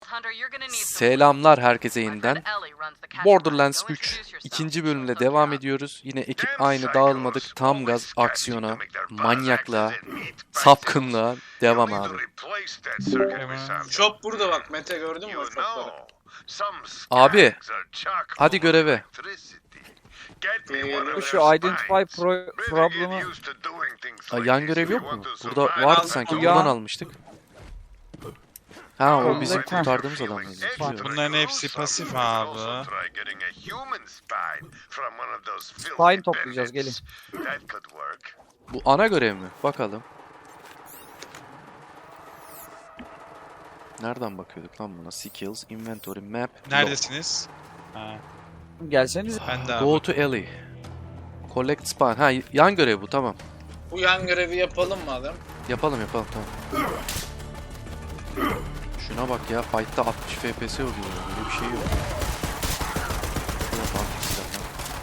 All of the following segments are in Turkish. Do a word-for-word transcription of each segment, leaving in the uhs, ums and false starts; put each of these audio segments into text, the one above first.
Selamlar herkese yeniden. Borderlands üç ikinci bölümle devam ediyoruz. Yine ekip aynı, dağılmadık. Tam gaz aksiyona, manyaklığa, sapkınlığa devam abi. Shop burada bak, Mete gördün mü o shopları? Abi hadi göreve. Bu şu identify pro problem'ı. Aa, yan görev yok mu? Burada vardı sanki. Ya. Buradan almıştık. Ha, o bizim Ha. kurtardığımız adam. Bunların hepsi pasif abi. Spine toplayacağız, gelin. Bu ana görev mi? Bakalım. Nereden bakıyorduk lan buna? Skills, inventory, map. Neredesiniz? Ha, Gelseniz. ben de abi. Go to alley. Collect spine. Ha, yan görev bu, tamam. Bu yan görevi yapalım madem. Yapalım yapalım, tamam. Şuna bak ya, fight'ta altmış F P S oluyor. Böyle bir şey yok. Şuna bak silahlar.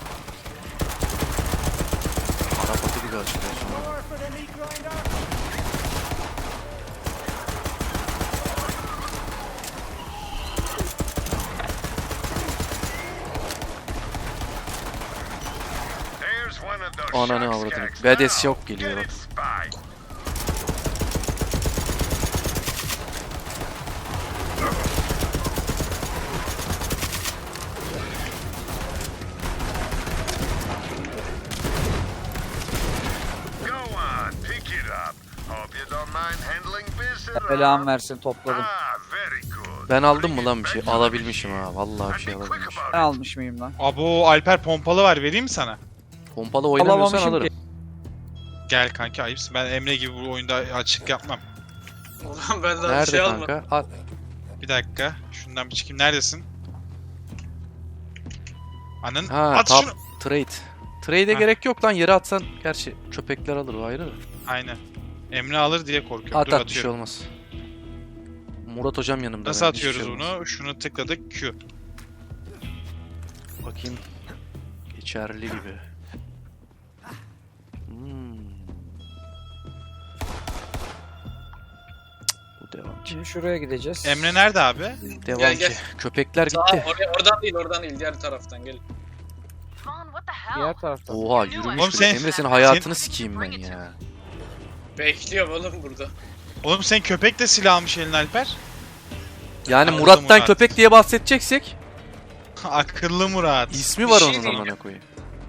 Arapatı gibi açılıyor sonra. Ananı avradını. Badass yok geliyor bak. Belamı versin, topladım. Ben aldım mı lan bir şey? Alabilmişim ha. Vallahi bir şey alabilmişim. Ben almış mıyım lan? Abo Alper pompalı var, vereyim mi sana? Pompalı oynamıyorsan Alamamışım alırım. ki. Gel kanki, ayıpsın. Ben Emre gibi bu oyunda açık yapmam. Ulan ben daha bir Nerede şey almadım. kanka? Al. Bir dakika. Şundan bir çıkayım. Neredesin? Anın. Ha, At top şunu. trade. Trade'e Ha. gerek yok lan, yere atsan gerçi köpekler alır, o ayrı da. Aynen. Emre alır diye korkuyorum. At Dur, at, bir şey atıyorum. olmaz. Murat hocam yanımda. Nasıl benim, hiçbir atıyoruz şey olmaz. bunu? Şunu tıkladık. Q. Bakayım. Geçerli gibi. Hmm. Cık, bu devam ki. Şimdi şuraya gideceğiz. Emre nerede abi? Devam Gel, ki. gel. Köpekler Sağ, gitti. oraya, oradan değil, oradan değil, diğer taraftan gelin. Diğer taraftan. Oha, yürümüş. Oğlum bile. sen- Emre, senin hayatını sikeyim ben ya. Bekliyorum oğlum burada. Oğlum sen köpek de silah almış eline Alper. Yani Akıllı Murat'tan Murat. köpek diye bahsedeceksek Akıllı Murat. ismi Bir var şey onun, diyeyim. amına koyayım.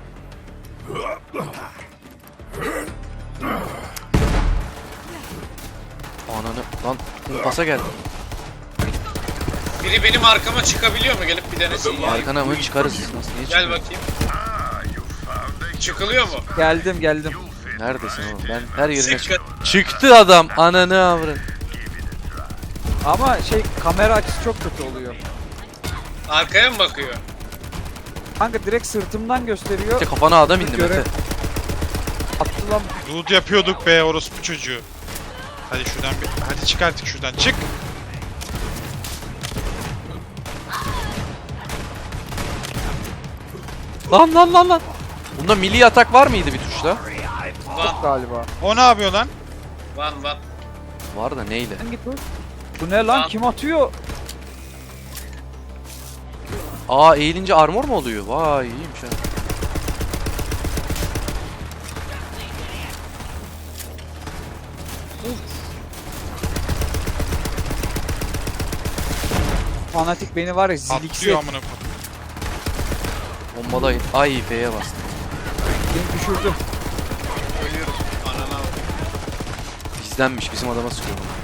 Ananı lan, kumpasa geldi. Biri benim arkama çıkabiliyor mu? Gelip bir denesin ya. Arkana mı çıkarız? Nasıl, niye Gel çıkıyor? bakayım. Çıkılıyor mu? Geldim geldim. Neredesin oğlum? Ben her yerine Sıkı. çık. Çıktı adam, ananı avradın. Ama şey, kamera açısı çok kötü oluyor. Arkaya mı bakıyor? Kanka direkt sırtımdan gösteriyor. İşte kafana adam indi Görev. Mete. Attı lan. Loot yapıyorduk be orospu çocuğu. Hadi şuradan bir... Hadi çık artık şuradan. Çık. Lan lan lan lan. Bunda milli atak var mıydı bir tuşla? Van, Galiba. O ne yapıyor lan? van, van. Var da neyle? Sen git dur. Bu ne lan? Lan. Kim atıyor? Aa, eğilince armor mu oluyor? Vay, iyiymiş ha. Fanatik beni var ya, ziliksi. Atlıyor amına koyayım. Bombalayın. Ay, F'ye bastım. Beni düşürdü. Ölüyorum. Anana bak. Bizdenmiş, bizim adama sıkıyor bunu.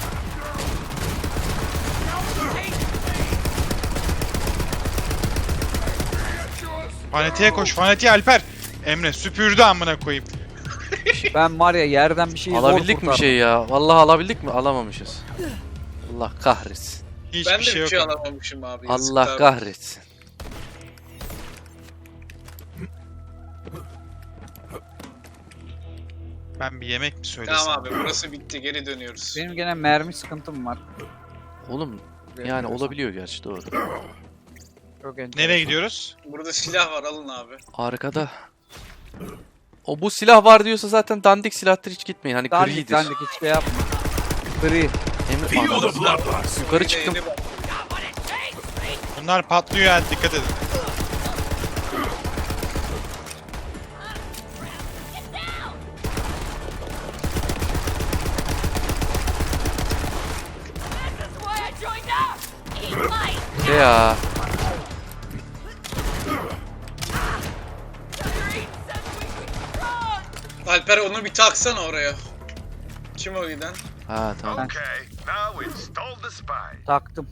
Fanatiğe koş. Fanatiğe Alper. Emre süpürdü amına koyayım. Ben var ya, yerden bir şeyi zor Alabildik mi bir kurtardım. şey ya? Vallahi alabildik mi? Alamamışız. Allah kahretsin. Hiçbir Ben de şey bir yok. şey ama. alamamışım abi. Allah yazıklar. kahretsin. Ben bir yemek mi söylesem? Tamam abi, burası bitti, geri dönüyoruz. Benim gene mermi sıkıntım var. Oğlum yani olabiliyor gerçi, doğru. Çok enteresan. Nereye gidiyoruz? Burada silah var, alın abi. Arkada. O bu silah var diyorsa zaten dandik silahtır, hiç gitmeyin. Hani Dandik gridir. dandik hiç şey yapma. Gri. Emre, ananı- yukarı Bir de çıktım. yeni bak. Bunlar patlıyor yani, dikkat edin. Şey ya. Alper onu bir taksana oraya. Kim o giden? Ha tamam. Okay, now install the spine. Taktım.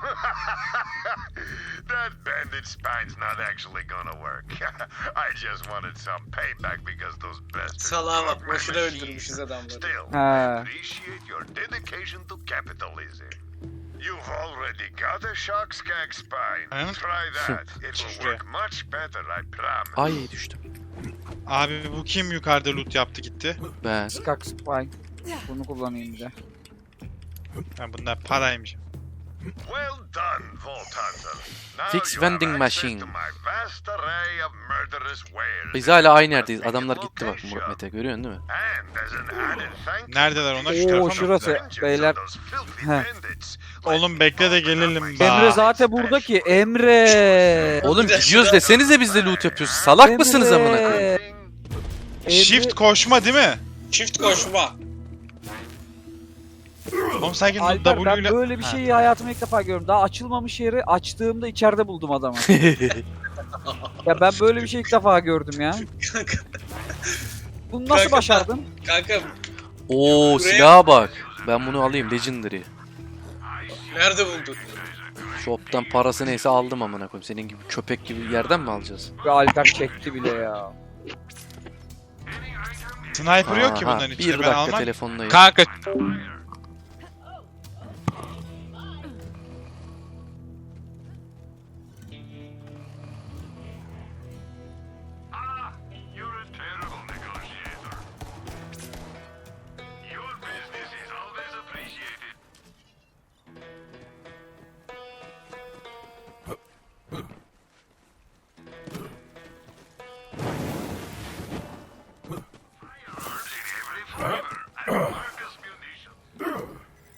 That bandage spine's not actually gonna work. I just wanted some payback because those bastards Salaha bak, broke my boşuna machine. öldürmüşüz adamları. Still, I Ha. appreciate your dedication to capitalism. You've already got a shock skag spine. Huh? Try that. It will work much better, I promise. Ay düştüm. Abi bu kim yukarıda loot yaptı gitti? Ben. Skak Spine. Bunu kullanayım bir de. Ha, bunlar paraymış. Well done, Vault Hunter. Now Fix you have vending access machine. to my vast array of murderous wares. Biz hala aynı yerdeyiz. Adamlar gitti bak Murat Mete, görüyorsun değil mi? And as an added thank you Neredeler onlar? Şu Oo, tarafa mı? şurası. vengeance Beyler. of those filthy Heh. bandits. Oğlum bekle de gelelim. Emre Bak. zaten burada ki. Emre. Oğlum gidiyoruz desenize biz de loot yapıyoruz. Salak mısınız amına koyayım? Emre. Shift koşma değil mi? Çift koşma. Oğlum sanki Alper W ben ile... böyle bir şeyi hayatımda ilk defa gördüm. Daha açılmamış yeri açtığımda içeride buldum adamı. Ya ben böyle bir şey ilk defa gördüm ya. Kanka, Bunu nasıl Kanka, başardın? kanka Oo silaha bak. Ben bunu alayım Legendary. nerede buldun? Shop'tan parası neyse aldım amına koyayım. Senin gibi köpek gibi yerden mi alacağız? Ve Alper çekti bile ya. Sniper yok ki Aha, bunların bir içinde, ben dakika almam. telefondayım. Kanka. Ah, you're a terrible negotiator. Your business is always appreciated. Firearms in every flavor and Marcus munitions.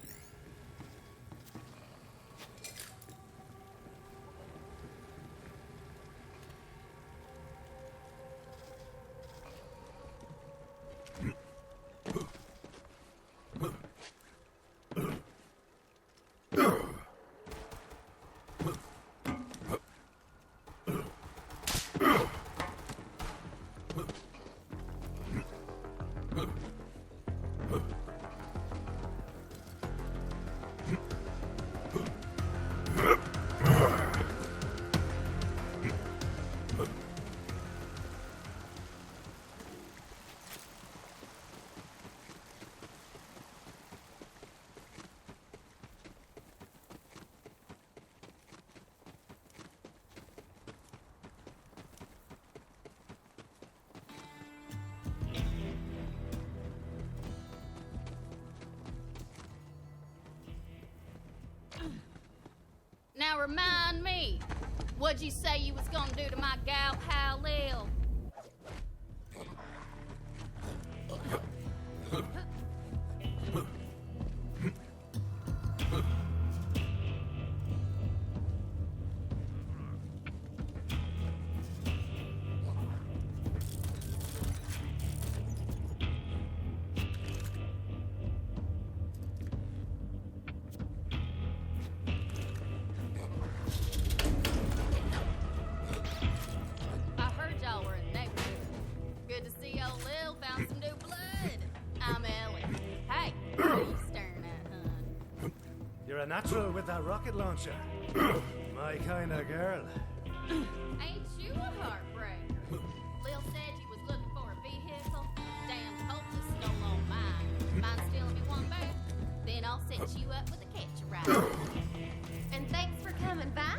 Now remind me, what'd you say you was gonna do to my gal pal Lil? I heard y'all were in the neighborhood. Good to see old Lil found some new blood. I'm Ellie. Hey, what are you staring at, hun? You're a natural with that rocket launcher. My kind of girl. Ain't you a heartbreaker? Lil said you was looking for a vehicle. Damn hopeless stole all mine. Mind stealing me one back? Then I'll set you up with a catch a ride. And thanks for coming by.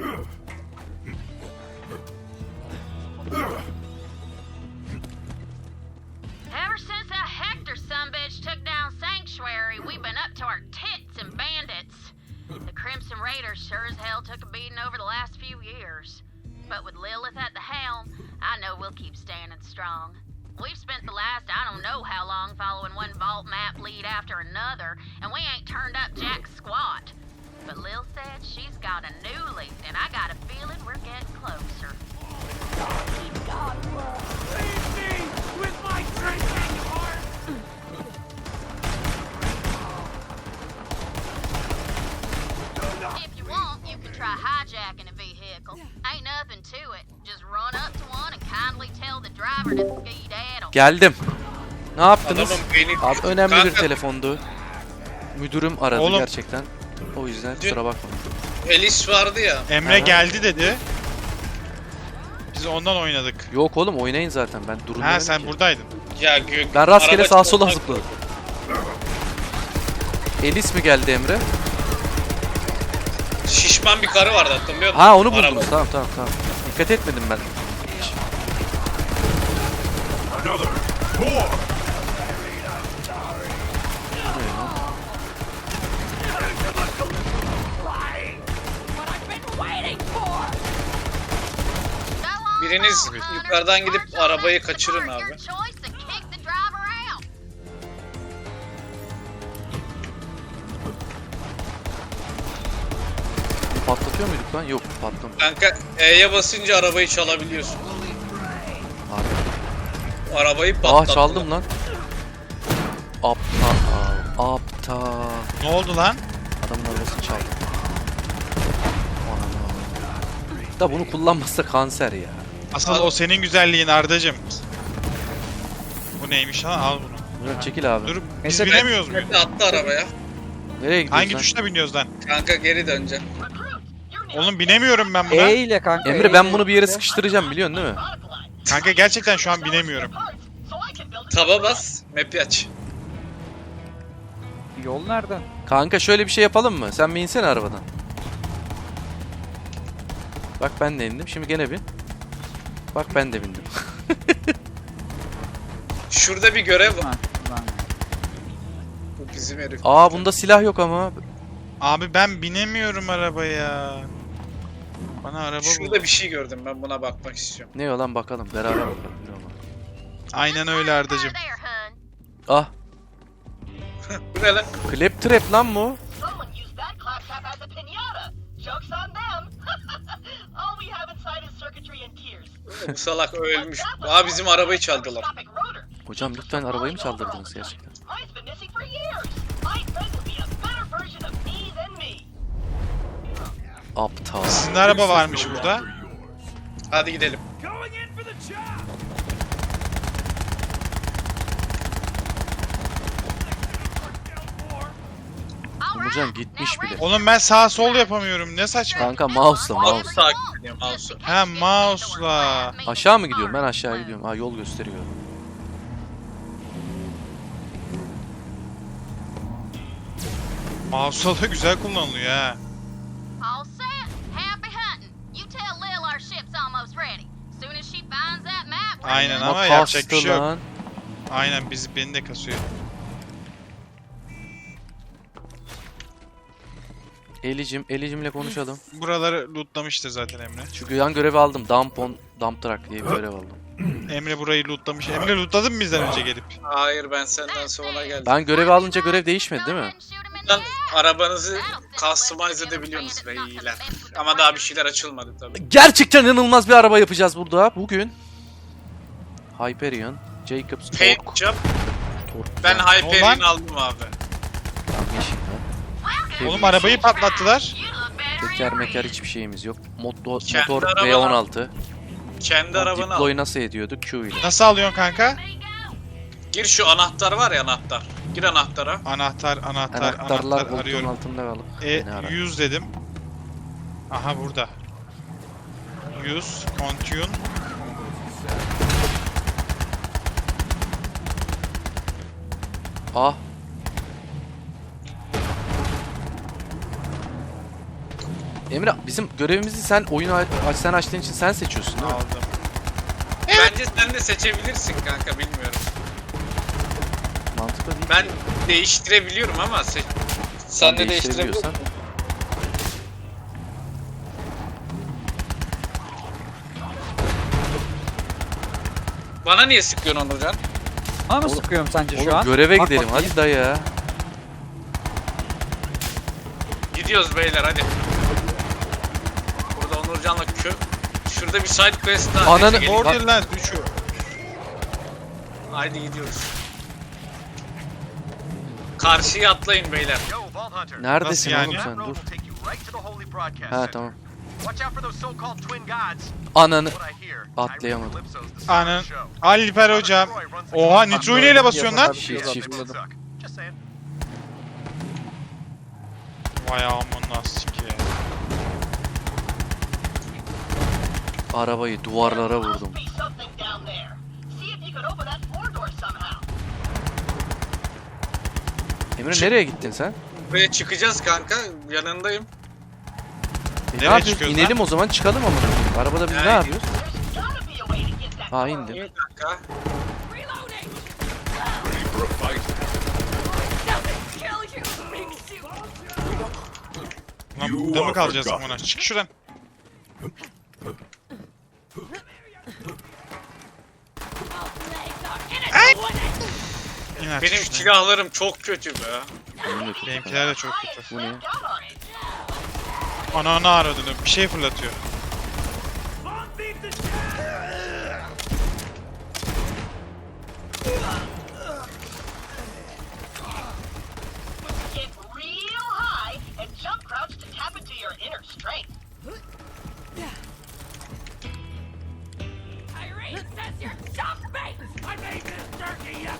Ever since that Hector sumbitch took down Sanctuary, we've been up to our tits in bandits. The Crimson Raiders sure as hell took a beating over the last few years. But with Lilith at the helm, I know we'll keep standing strong. We've spent the last I don't know how long following one vault map lead after another, and we ain't turned up jack squat. But Lil said she's got a new lead, and I got a feeling we're getting closer. If you want, you can try hijacking a vehicle. Ain't nothing to it. Just run up to one and kindly tell the driver to skedaddle. Geldim. Ne yaptınız? Adamın beyni... Abi önemli bir Kanka, telefondu. Müdürüm aradı Oğlum. gerçekten. O yüzden kusura bakma. Elis vardı ya. Emre Aha. geldi dedi. Biz ondan oynadık. Yok oğlum oynayın zaten ben durun Ha demedim sen ki. buradaydın. Ya gök. Ben rastgele araba sağa sola çalmak- zıpladım. Elis mi geldi Emre? Şişman bir karı vardı hatırlıyor musun? Ha onu buldum. Araba. Tamam tamam tamam. Dikkat etmedim ben. Biriniz yukarıdan gidip arabayı kaçırın abi. Patlatıyor muyduk lan? Yok patlamıyor. Kanka E'ye basınca arabayı çalabiliyorsun. Harbi. Arabayı Aa patlattı. çaldım lan. Aptal. Aptal. Ne oldu lan? Adamın arabasını çaldım. Anam. Da bunu kullanmazsa kanser ya. Asıl Al. o senin güzelliğin Ardacım. Bu neymiş lan? Al bunu. Murat çekil abi. Dur biz Neyse, binemiyoruz muyuz? Mete attı arabaya. Nereye gidiyorsun Hangi lan? tuşla biniyoruz lan? Kanka geri döneceksin. Oğlum binemiyorum ben buna. E ile kanka. Emre E ben ile. bunu bir yere sıkıştıracağım biliyorsun değil mi? Kanka gerçekten şu an binemiyorum. Taba bas, map'i aç. Yol nereden? Kanka şöyle bir şey yapalım mı? Sen bir insene arabadan. Bak ben de indim. Şimdi gene bin. Bak ben de bindim. Şurada bir görev var. Ha, lan. Bu bizim herif. Aa bunda silah yok ama. Abi ben binemiyorum arabaya. Bana araba bul. Şurada bir şey gördüm, ben buna bakmak istiyorum. Ne o lan bakalım. Beraber bakalım. Yürü ama. Aynen öyle Ardacım. Ah. Bu ne lan? Clap trap lan bu. Someone used that claptrap as a piñata. Joke's on them. All we have inside is circuitry and tears. Bu salak ölmüş. Aa bizim arabayı çaldılar. Hocam lütfen arabayı mı çaldırdınız gerçekten? Mine's been missing for years. My friend will be a better version of me than me. Aptal. Sizin araba varmış burada. Hadi gidelim. Going in for the job! Umurcan gitmiş bile. Oğlum ben sağ sol yapamıyorum. Ne saçma. Kanka mouse'la Mouse mouse. takip ediyorum, mouse'u. Ha mouse'la. Aşağı mı gidiyorum? Ben aşağı gidiyorum. Ha yol gösteriyor. Mouse'la da güzel kullanılıyor ha. All set. Happy hunting. You tell Lil our ship's almost ready. Soon as she finds that map, we're Aynen done. ama Bak yapacak bir kastı şey yok. lan. Aynen bizi beni de kasıyor. Elicim, Elicimle konuşalım. Buraları lootlamıştır zaten Emre. Şu yan görevi aldım. Dump on, dump truck diye bir görev aldım. Emre burayı lootlamış. Emre lootladın mı bizden önce gelip? Hayır ben senden sonra geldim. Ben görevi alınca görev değişmedi değil mi? Buradan arabanızı customize edebiliyorsunuz beyler. Ama daha bir şeyler açılmadı tabii. Gerçekten inanılmaz bir araba yapacağız burada bugün. Hyperion, Jacobs Paint Torque. job. Torque. Ben Olan- Hyperion aldım abi. Tamam, yeşil lan. Oğlum arabayı patlattılar. Teker meker hiçbir şeyimiz yok. Motor, Kendi motor araban V on altı. Kendi arabanı al. Deploy nasıl ediyorduk? Q ile. Nasıl alıyorsun kanka? Gir şu anahtar var ya anahtar. Gir anahtara. Anahtar, anahtar, Anahtarlar anahtar koltuğun arıyorum. altında kalıp. E, beni ara. yüz dedim. Aha burada. yüz, continue. Ah. Emre bizim görevimizi sen oyunu aç, sen açtığın için sen seçiyorsun değil mi? Aldım. Bence sen de seçebilirsin kanka bilmiyorum. Mantıklı değil. Ben değiştirebiliyorum ama se sen de değiştirebiliyorsan. değiştirebiliyorsan. Bana niye sıkıyorsun Onurcan? Bana mı Oğlum- sıkıyorum sence Oğlum şu an? göreve Bak gidelim bakayım. hadi da ya. Gidiyoruz beyler hadi. Burada Onurcan'la kö... Şurada bir side quest daha. Ananı- Neyse, gelin. Borderlands üçü. Haydi gidiyoruz. Karşıya atlayın beyler. Yo, Vault Hunter. Neredesin Nasıl oğlum yani? sen? That road Dur. will take you right to the holy broadcast Ha center. tamam. Watch out for those so-called twin gods. Ananı. What I hear, Atlayamadım. Tyrese Calypso's the star Anan. of the show. Alper hocam. Troy runs the Oha show. Nitro'yu neyle basıyorsun lan? Shift shift. Suck. Just saying. Vay amına sikeyim. Arabayı duvarlara vurdum. Must be something down there. See if you can open that floor door somehow. Emre nereye gittin sen? Buraya çıkacağız kanka. Yanındayım. E, ne Nereye yapıyoruz? çıkıyoruz İnelim o zaman çıkalım ama. Arabada biz ne Yani- yapıyoruz? There's gotta be a way to get that Ha door indim. İn kanka. Lan burada mı kalacağız amına? Çık şuradan. İn artık Benim şuradan. silahlarım çok kötü be. Benim de çok Benimkiler de çok kötü. Bu ne? down on it. Ananı aradığını bir şey fırlatıyor. Get real high and jump crouch to tap into your inner strength. Irene says you're dumb bait! I made this turkey, you...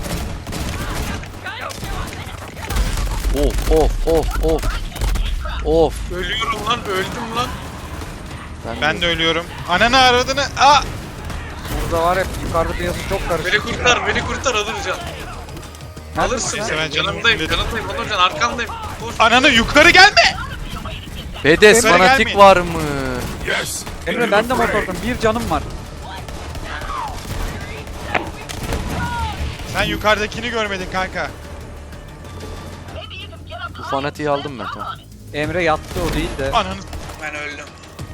Of of of of. Of. Ölüyorum lan öldüm lan. Ben de ölüyorum. Ananı aradığını. Aa! Burada var ya yukarıda piyasa çok Beni karışık. kurtar beni kurtar Onurcan. Alırsın. Neyse, ben canımı Yanındayım fulledim. yanındayım Onurcan arkandayım. Dur. Ananı yukarı gelme! Bedes Emre fanatik gelmeyin. var mı? Emre ben de motordum. Bir canım var. Sen yukarıdakini görmedin kanka. Maybe you can get up Bu high fanatiği and aldım ben slam tamam. on it. Emre yattı o değil de. Ananı. Ben öldüm.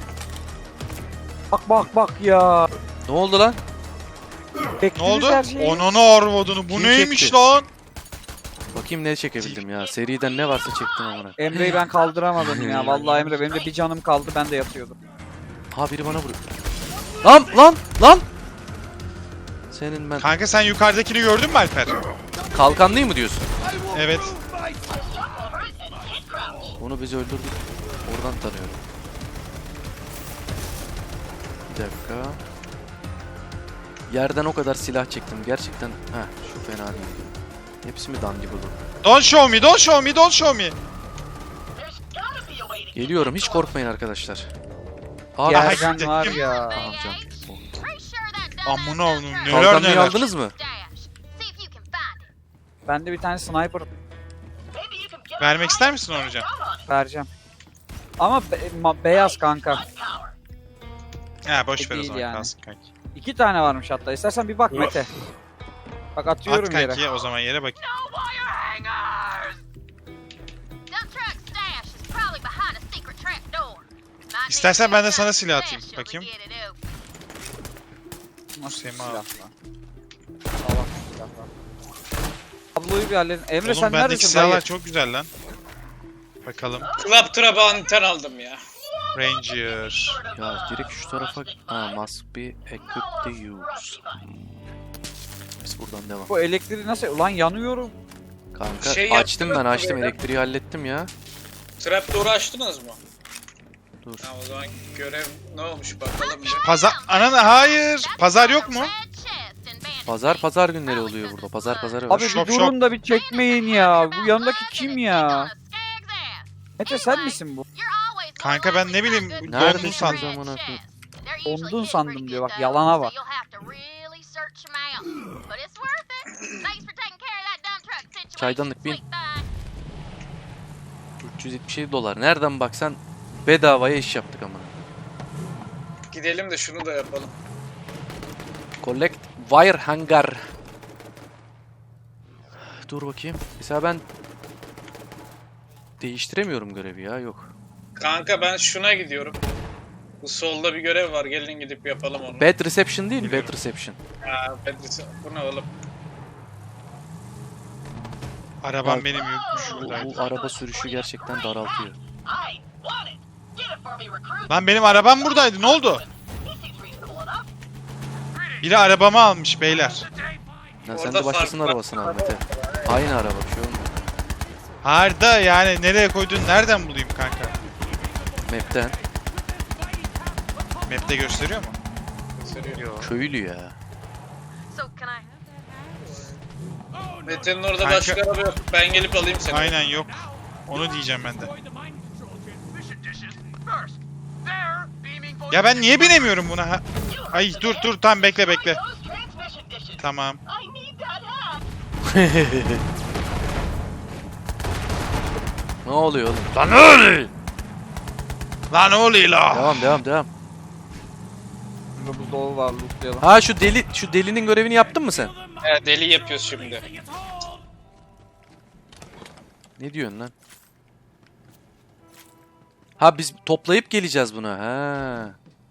Bak bak bak ya. Ne oldu lan? Ne Bekleriz oldu? her şeyi. Ananı arvadını. Bu Kim neymiş çekti? lan? Bakayım ne çekebildim ya. Seriden ne varsa çektim amına. Emre'yi ben kaldıramadım ya. Vallahi Emre benim de bir canım kaldı. Ben de yatıyordum. Ha biri bana vuruyor. Lan lan lan. Senin ben Kanka sen yukarıdakini gördün mü Alper? kalkanlıyım mı diyorsun? Evet. Over it and hit crouch. Onu biz öldürdük. Oradan tanıyorum. Bir dakika. Yerden o kadar silah çektim. Gerçekten ha şu fena değil. Hepsi mi dandik olur? Don't show me, don't show me, don't show me. There's gotta be a way to get Geliyorum. that Hiç door. korkmayın arkadaşlar. Abi Ya, her- Yerden var ya. Tamam can. Oh. Pretty sure that Amına dumbass oğlum, dump truck neler Kalkanlıyı neler. aldınız mı? stash. See if you can find it. Bende bir tane sniper Maybe you can get Vermek up ister high misin and Onurcan? slam on it. vereceğim. Ama be- ma- beyaz kanka. Gun power. Ha boş ver o Değil zaman yani. kalsın kanki. İki tane varmış hatta. İstersen bir bak Mete. Bak At atıyorum yere. kanki o zaman yere bak. No wire hangers! Dump truck stash is probably behind a secret trap door. Might need İstersen ben de to sana use silah some atayım, special to bakayım. get it open. Nasıl Sema. silah lan? Sağlam silah lan. Tabloyu bir halledin. Emre Oğlum sen bendeki neredesin silahlar dayı? çok güzel lan. Bakalım. Club Trap'a anten aldım ya. Ranger. Ya direkt şu tarafa ha must be equipped to use. Biz buradan devam. Bu elektriği nasıl? Ulan yanıyorum. Kanka Şey açtım ben yaptınız mı açtım böyle? elektriği hallettim ya. Trap door'u açtınız mı? Dur. Ha o zaman görev ne olmuş bakalım bir. Pazar... Ananı hayır. Pazar yok mu? Red chest and bandage Pazar case. pazar günleri oluyor burada. Pazar pazarı var. Abi Şok, bir durun da bir çekmeyin ya. Bu yanındaki kim ya? Mete sen misin bu? Kanka ben ne bileyim, Neredesin dondun sandım. amına koyayım? Dondun sandım diyor, bak, yalana bak. Çaydanlık bin. üç yüz yetmiş yedi dolar. Nereden baksan bedavaya iş yaptık ama. Gidelim de şunu da yapalım. Collect wire hangar. Dur bakayım. Mesela ben değiştiremiyorum görevi ya. Yok. Kanka ben şuna gidiyorum. Bu solda bir görev var. Gelin gidip yapalım onu. Bad reception değil mi? Bad reception. Ha, Pedris, bu ne oğlum? Arabam Bak, benim yokmuş Bu, şuradaydı. bu araba sürüşü gerçekten daraltıyor. I want it. Get it for me, recruit. Lan benim arabam buradaydı. Ne oldu? He seems reasonable enough. Biri arabamı almış beyler. Ya sen Orada de başkasının fark var. arabasını al Mete. Aynı araba bir şey olmuyor. Harda yani nereye koydun nereden bulayım kanka? Map'ten. Map'te gösteriyor mu? Köylü ya. So can I? Mete'nin orada Kanka- başka araba yok. Ben gelip alayım seni. Aynen yok. Onu diyeceğim ben de. Ya ben niye binemiyorum buna? Ha- Ay dur dur tam bekle bekle. Those transmission dishes. Tamam. I need that hat. Ne oluyor oğlum? Lan öyle! Lan ne oluyor la? Devam devam devam. Burada buzdolabı var, lootlayalım. Ha şu deli şu delinin görevini yaptın mı sen? He, deli yapıyoruz şimdi. Ne diyorsun lan? Ha biz toplayıp geleceğiz buna. Ha.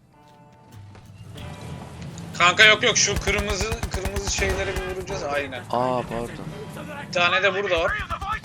Kanka yok yok şu kırmızı kırmızı şeylere bir vuracağız aynen. Aa pardon. Bir tane de burada var.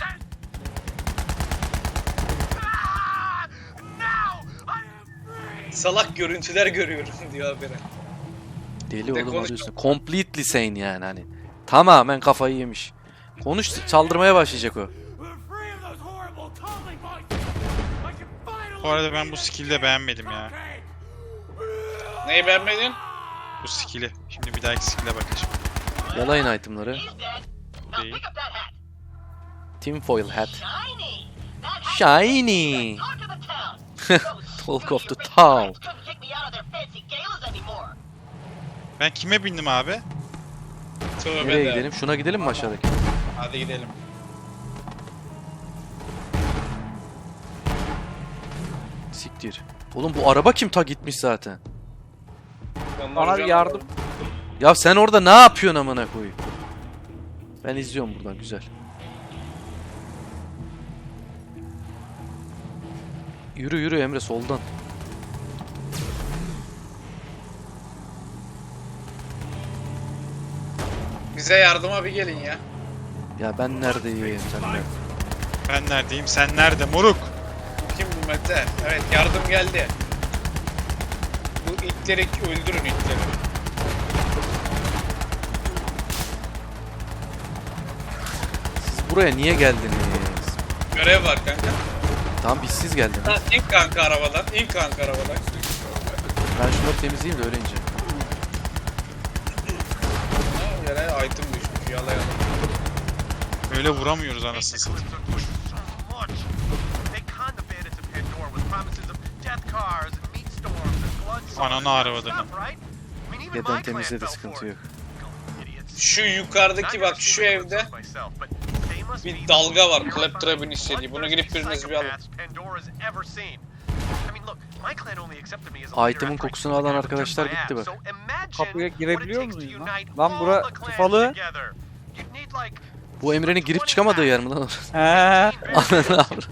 Salak görüntüler görüyorum diyor habere. Deli Bir de oğlum konuş- alıyorsun. Completely sane yani hani. Tamamen kafayı yemiş. Konuş çaldırmaya başlayacak o. We're free of those horrible tumbling voices. I can finally Bu arada ben bu skill'i de beğenmedim ya. Neyi beğenmedin? Bu skill'i. Şimdi bir dahaki skill'e bakacağım. Yalayın itemları. He's dead. Now Değil. pick up that hat. Tinfoil hat. Shiny. That hat Shiny. talk to the town. Those Talk of the stupid town. rich couldn't kick me out of their fancy galas anymore. Ben kime bindim abi? Tövbe Nereye de. gidelim? Şuna gidelim mi aşağıdaki? Hadi gidelim. Siktir. Oğlum bu araba kim ta gitmiş zaten? Ben Bana bir vuracağım. yardım. Ya sen orada ne yapıyorsun amına koyayım? Ben izliyorum buradan güzel. Yürü yürü Emre soldan. Bize yardıma bir gelin ya. Ya ben neredeyim sen nerede? Ben neredeyim? Sen nerede moruk? Kim bu Mete? Evet yardım geldi. Bu itleri öldürün itleri. Siz buraya niye geldiniz? Görev var kanka. Tamam biz siz geldiniz. Ha, İn kanka arabadan. İn kanka arabadan. Ben şunları temizleyeyim de öyle ineceğim. Ha, yere item düşmüş. Yalayalım. Öyle vuramıyoruz anasını satayım. Ananı arabalarını. Neden temizledi sıkıntı yok. Şu yukarıdaki bak şu evde bir dalga var. Claptrap'ın istediği. Bunu gidip biriniz bir alın. Item'ın kokusunu alan arkadaşlar gitti bak. Kapıya girebiliyor muyuz lan? Lan bura tıpalı. Bu Emre'nin girip çıkamadığı yer mi lan? He. Ananı avradım.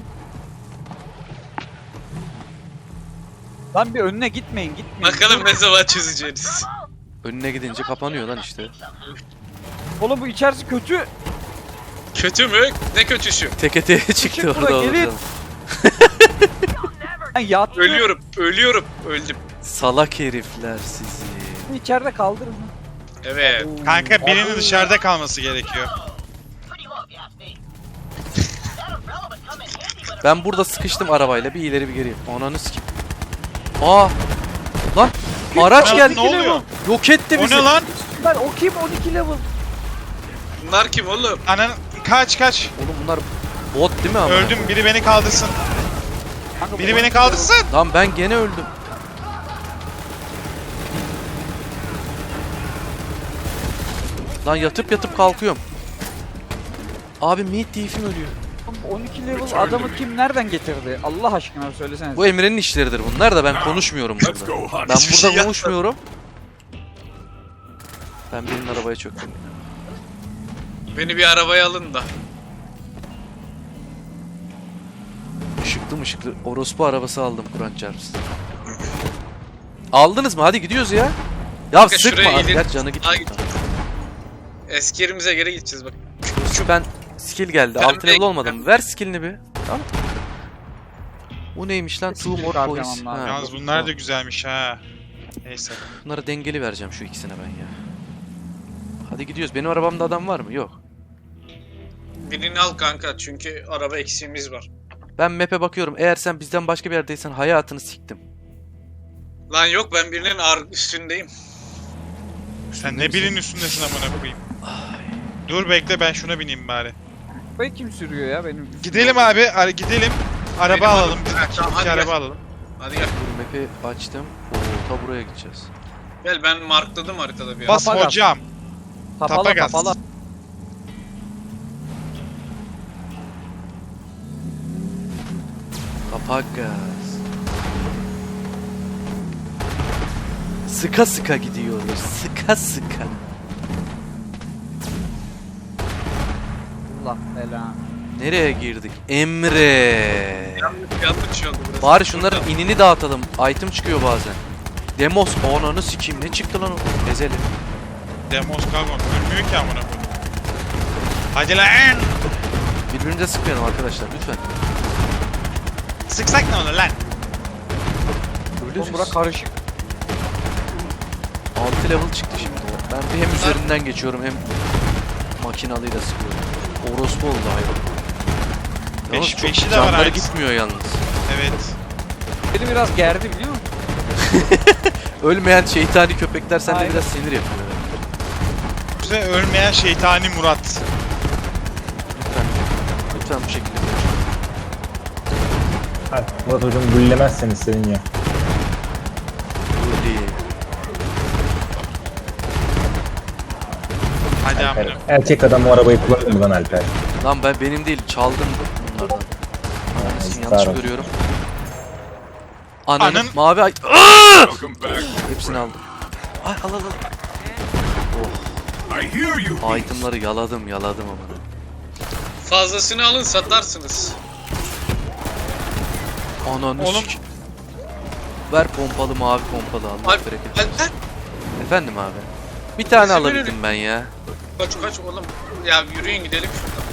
Lan bir önüne gitmeyin, gitmeyin. Bakalım ne zaman çözeceğiniz. Önüne gidince kapanıyor lan işte. Oğlum bu içerisi kötü. Kötü mü? Ne kötüsü? Teke teke çıktı Çık orada bura, oğlum. gelin. Ha, yattı. Ölüyorum. Ölüyorum. Öldüm. Salak herifler sizi. İçeride kaldırın. Evet. Kanka birinin dışarıda kalması gerekiyor. Pretty low if you ask me. That umbrella would come in handy, but Ben burada sıkıştım arabayla bir ileri bir geri. Ananı sikeyim. Aa! Lan araç Lan geldi. ne oluyor? Yok etti O bizi. ne lan? Ben o kim on iki level. Bunlar kim oğlum? Anan kaç kaç. Oğlum bunlar bot değil mi ama? Öldüm biri beni kaldırsın. Kanka, Biri bu- beni kaldırsın. Lan ben gene öldüm. Lan yatıp yatıp kalkıyorum. Abi Meat Thief'im ölüyor. on iki level adamı kim nereden getirdi? Allah aşkına söylesene. Bu Emre'nin işleridir bunlar da ben konuşmuyorum burada. Ben Hiçbir şey burada yapmadım. konuşmuyorum. Ben birinin arabaya çöktüm. Beni bir arabaya alın da. Işıklı mışıklı orospu arabası aldım Kur'an çarpsın. Aldınız mı? Hadi gidiyoruz ya. Ya Kanka sıkma şuraya abi. gidin. Gerçi canı Ay, gitmiyor. git. Eski yerimize geri gideceğiz bak. Şu ben skill geldi. Ben Altı level de- olmadım. Ver skillini bir. Tamam. Bu neymiş lan? Two Skill more harcamam points. lazım. Ha, Yalnız bunlar da güzelmiş ha. Neyse. bunları dengeli vereceğim şu ikisine ben ya. Hadi gidiyoruz. Benim arabamda adam var mı? Yok. Birini al kanka çünkü araba eksiğimiz var. Ben map'e bakıyorum. Eğer sen bizden başka bir yerdeysen hayatını siktim. Lan yok ben birinin ar- üstündeyim. Sen ne birinin üstündesin amına koyayım. Dur bekle ben şuna bineyim bari. Arabayı kim sürüyor ya benim? Gidelim abi, ara- gidelim. Araba Benim alalım. arabam. Biz Tamam, iki hadi araba gel. alalım. Hadi gel. Dur map'i açtım. Oo, ta buraya gideceğiz. Gel ben markladım haritada bir Bas Tapa gaz. hocam. Kapalı Tapa gaz. kapalı. Kapak gaz. Sıka sıka gidiyoruz. Sıka sıka. Allah belanı. Nereye girdik? Emre. Yanlış yanlış oldu burası. Bari şunların inini dağıtalım. Item çıkıyor bazen. Demos. Ananı sikeyim. Ne çıktı lan o? Ezelim. Demos Gagon. Ölmüyor ki amına koyayım. Hadi lan. Birbirimize sıkmayalım arkadaşlar lütfen. Sıksak ne olur lan? Oğlum bura karışık. altı level çıktı şimdi. Ben bir hem üzerinden geçiyorum hem makinalıyla sıkıyorum. Orospu oldu hayvan. Yalnız Beş- çok beşi de var canları aynısı. gitmiyor yalnız. Evet. Beni biraz gerdi biliyor musun? Ölmeyen şeytani köpekler sende Aynen. biraz sinir yapıyor. Bize ölmeyen şeytani Murat. Lütfen. Lütfen bu şekilde konuşun. Hadi Murat hocam güllemezsen istedin ya. Öyle. Hadi Alper. amına. Erkek adam o arabayı kullanır mı lan Alper? Lan ben benim değil çaldım bunlardan. Ananı sikeyim, yanlış Sarı. görüyorum. Ananın Anın- mavi ay... Aaaa! Hepsini aldım. Ay al al al. I hear you. Oh, itemları yaladım yaladım ama. Fazlasını alın satarsınız. Ananı Oğlum- sik- Ver pompalı mavi pompalı Allah Alp, bereket. Alper Efendim abi. Bir tane Bizim alabildim önüne- ben ya. kaç kaç oğlum. Ya yürüyün gidelim şuradan.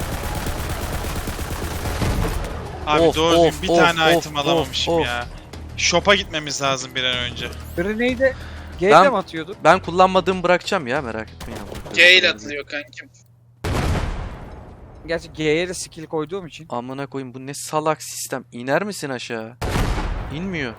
Abi Of, doğru of, düzgün bir of, tane of, item of, alamamışım of. ya. Shop'a gitmemiz lazım bir an önce. Grenade'e G'de Ben- mi atıyorduk? Ben kullanmadığımı bırakacağım ya merak etmeyin. G ile atılıyor kankim. Gerçi G'ye de skill koyduğum için. Amına koyayım bu ne salak sistem. İner misin aşağı? İnmiyor.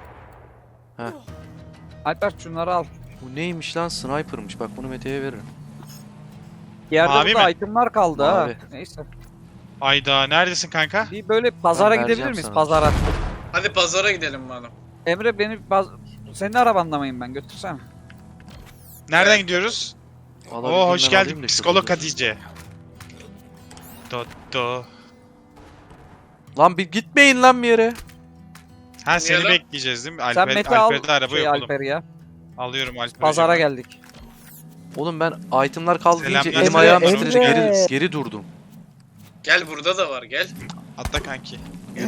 Alper şunları al. Bu neymiş lan? Sniper'mış. Bak bunu Mete'ye veririm. Yerde Mavi burada mi? itemlar kaldı Mavi. ha. Neyse. Ayda neredesin kanka? Bir böyle pazara Ben gidebilir vereceğim miyiz? sana. Pazara. Hadi pazara gidelim madem. Emre beni baz... Senin arabanda mıyım ben? Götürsene. Nereden gidiyoruz? Oo hoş geldin psikolog Hatice. Do do. Lan bir gitmeyin lan bir yere. Ha seni lan? bekleyeceğiz değil mi? Sen Alper, Mete al Alper'de araba şey yok oğlum. Alper'i ya. Alıyorum Alper. Pazara hocam. geldik. Oğlum ben itemlar kaldı deyince Selamlar. elim Emre, ayağım Emre. titredi. Geri, geri durdum. Gel burada da var gel. Atla kanki.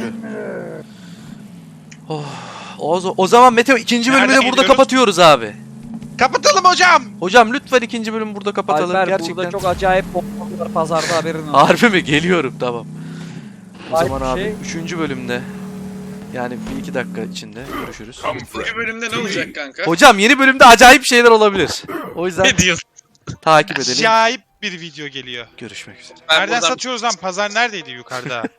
Oh, o, o zaman Mete ikinci bölümü de Nereden burada gidiyoruz? kapatıyoruz abi. Kapatalım hocam. Hocam lütfen ikinci bölümü burada kapatalım. Alper Gerçekten. burada çok acayip bombalar var pazarda haberin olsun. Harbi mi? Geliyorum tamam. O Ay, zaman abi şey- üçüncü bölümde yani bir iki dakika içinde görüşürüz. Bu bölümde ne olacak kanka? Hocam yeni bölümde acayip şeyler olabilir. O yüzden Ne diyorsun? takip edelim. Acayip bir video geliyor. Görüşmek üzere. Ben Nereden buradan- satıyoruz lan? Pazar neredeydi yukarıda?